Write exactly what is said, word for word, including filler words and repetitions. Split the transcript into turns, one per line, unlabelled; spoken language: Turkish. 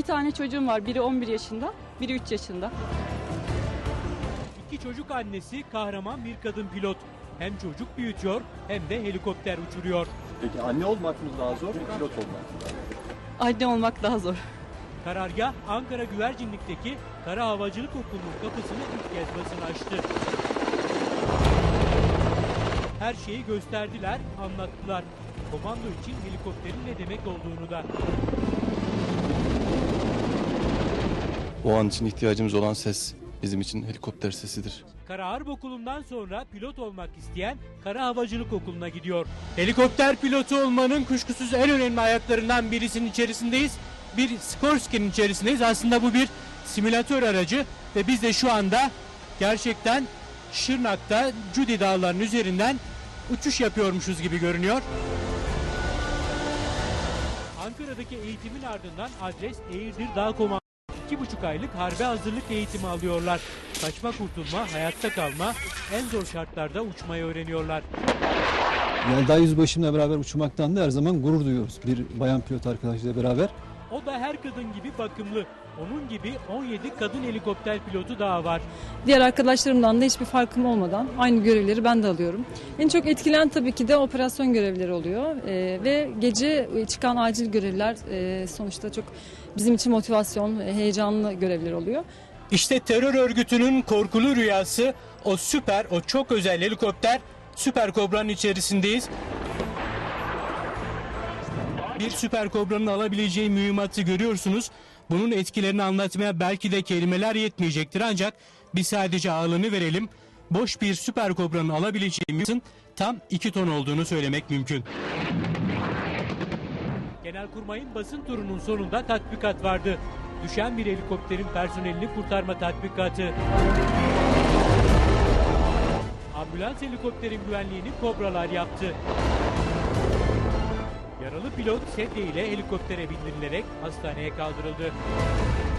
tane çocuğum var. Biri on bir yaşında, biri üç yaşında.
İki çocuk annesi kahraman bir kadın pilot. Hem çocuk büyütüyor hem de helikopter uçuruyor.
Peki anne olmak mı daha zor, pilot olmak mı daha zor?
Anne olmak daha zor.
Karargah Ankara Güvercinlik'teki Kara Havacılık Okulu'nun kapısını ilk kez basına açtı. Her şeyi gösterdiler, anlattılar. Komando için helikopterin ne demek olduğunu da.
O an için ihtiyacımız olan ses bizim için helikopter sesidir.
Kara Harp Okulu'ndan sonra pilot olmak isteyen Kara Havacılık Okulu'na gidiyor. Helikopter pilotu olmanın kuşkusuz en önemli ayaklarından birisinin içerisindeyiz. Bir Sikorsky'nin içerisindeyiz. Aslında bu bir simülatör aracı ve biz de şu anda gerçekten Şırnak'ta Cudi Dağları'nın üzerinden uçuş yapıyormuşuz gibi görünüyor. Ankara'daki eğitimin ardından adres Eğirdir Dağ Komandosu. İki buçuk aylık harbe hazırlık eğitimi alıyorlar. Kaçma kurtulma, hayatta kalma, en zor şartlarda uçmayı öğreniyorlar.
Yelda Yüzbaşımla beraber uçmaktan da her zaman gurur duyuyoruz. Bir bayan pilot arkadaşıyla beraber.
O da her kadın gibi bakımlı. Onun gibi on yedi kadın helikopter pilotu daha var.
Diğer arkadaşlarımdan da hiçbir farkım olmadan aynı görevleri ben de alıyorum. En çok etkilen tabii ki de operasyon görevleri oluyor. Ee, ve gece çıkan acil görevler e, sonuçta çok bizim için motivasyon, heyecanlı görevler oluyor.
İşte terör örgütünün korkulu rüyası o süper, o çok özel helikopter Süper Kobra'nın içerisindeyiz. Bir Süper Kobra'nın alabileceği mühimmatı görüyorsunuz. Bunun etkilerini anlatmaya belki de kelimeler yetmeyecektir ancak biz sadece ağırlığını verelim. Boş bir Süper Kobra'nın alabileceği mühimmatın tam iki ton olduğunu söylemek mümkün. Genelkurmay'ın basın turunun sonunda tatbikat vardı. Düşen bir helikopterin personelini kurtarma tatbikatı. Ambulans helikopterin güvenliğini Kobralar yaptı. Yaralı pilot sedye ile helikoptere bindirilerek hastaneye kaldırıldı.